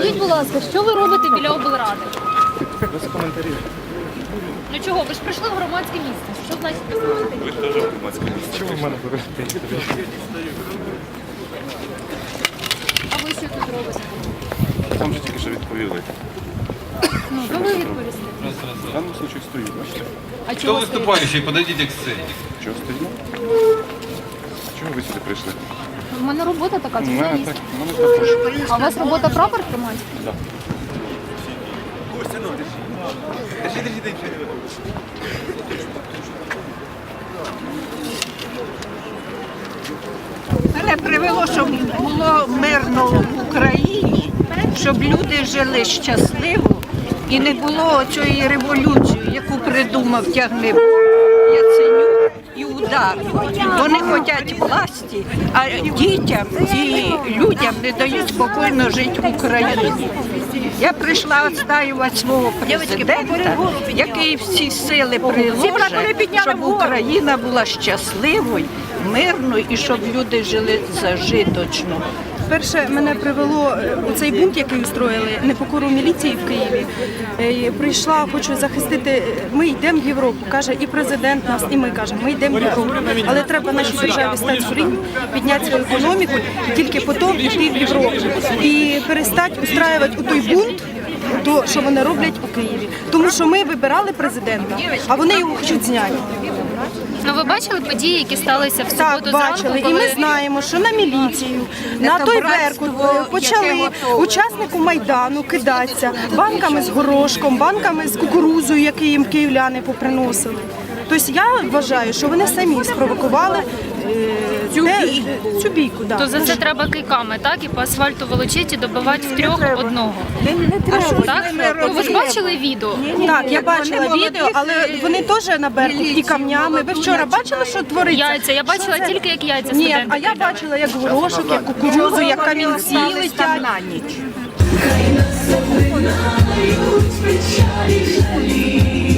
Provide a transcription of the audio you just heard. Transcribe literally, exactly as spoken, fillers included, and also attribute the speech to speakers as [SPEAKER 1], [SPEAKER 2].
[SPEAKER 1] Скажіть, будь ласка, що ви робите біля облради?
[SPEAKER 2] Без коментарів.
[SPEAKER 1] Ну чого? Ви ж прийшли в громадське місце. Що значить без коментарів?
[SPEAKER 2] Ви теж в громадському місці. Чому ви в мене берете інтерв'ю?
[SPEAKER 1] А ви що тут робите?
[SPEAKER 2] Там же тільки що відповіли.
[SPEAKER 1] Ну, то ви відповісти.
[SPEAKER 2] В даному случаю стою, бачите?
[SPEAKER 1] А
[SPEAKER 3] Кто
[SPEAKER 1] чого
[SPEAKER 3] выступающий? Подойдите к сцене.
[SPEAKER 2] Чого стоїмо? Чого ви сюди прийшли?
[SPEAKER 1] стоїте? У мене робота така,
[SPEAKER 2] У мене
[SPEAKER 1] журналіст.
[SPEAKER 2] так, у мене також.
[SPEAKER 1] А у вас робота прапор тримати?
[SPEAKER 2] Так.
[SPEAKER 4] Мене привело, щоб було мирно в Україні, щоб люди жили щасливо і не було цієї революції, яку придумав Тягнебок, Яценюк і Удар. Вони хочуть власті, а дітям і людям не дають спокійно жити в Україні. Я прийшла відстоювати свого президента, який всі сили приложить, щоб Україна була щасливою, мирною і щоб люди жили зажиточно.
[SPEAKER 5] Перше, мене привело у цей бунт, який устроїли, непокору міліції в Києві. Е, Прийшла, хочу захистити, ми йдемо в Європу, каже і президент нас, і ми кажемо, ми йдемо в Європу. Але треба нашій державі стати в рівень, підняти свою економіку, і тільки потім йти в Європу. І перестати устраювати у той бунт, то, що вони роблять у Києві. Тому що ми вибирали президента, а вони його хочуть зняти.
[SPEAKER 1] Ну ви бачили події, які сталися в суботу
[SPEAKER 5] Так,
[SPEAKER 1] зранку,
[SPEAKER 5] бачили. І
[SPEAKER 1] коли...
[SPEAKER 5] ми знаємо, що на міліцію, на той Беркут почали учаснику Майдану кидатися банками з горошком, банками з кукурузою, які їм київляни поприносили. Тобто я вважаю, що вони самі спровокували е, цю бійку. Цю бійку да.
[SPEAKER 1] То за це треба кийками, так? І по асфальту волочити і добивати в трьох одного. Так? Ну, ви ж бачили відео?
[SPEAKER 5] Так, я бачила відео, але вони теж на Беркут і камнями. Ви вчора бачили, що твориться?
[SPEAKER 1] Яйця. Я бачила
[SPEAKER 5] Що це?
[SPEAKER 1] тільки, як яйця
[SPEAKER 5] Ні,
[SPEAKER 1] студенти
[SPEAKER 5] а я
[SPEAKER 1] кидали.
[SPEAKER 5] бачила, як горошок, як кукурузу, як камінці летять.
[SPEAKER 4] на ніч.
[SPEAKER 6] Хай нас обминають печалі жалі.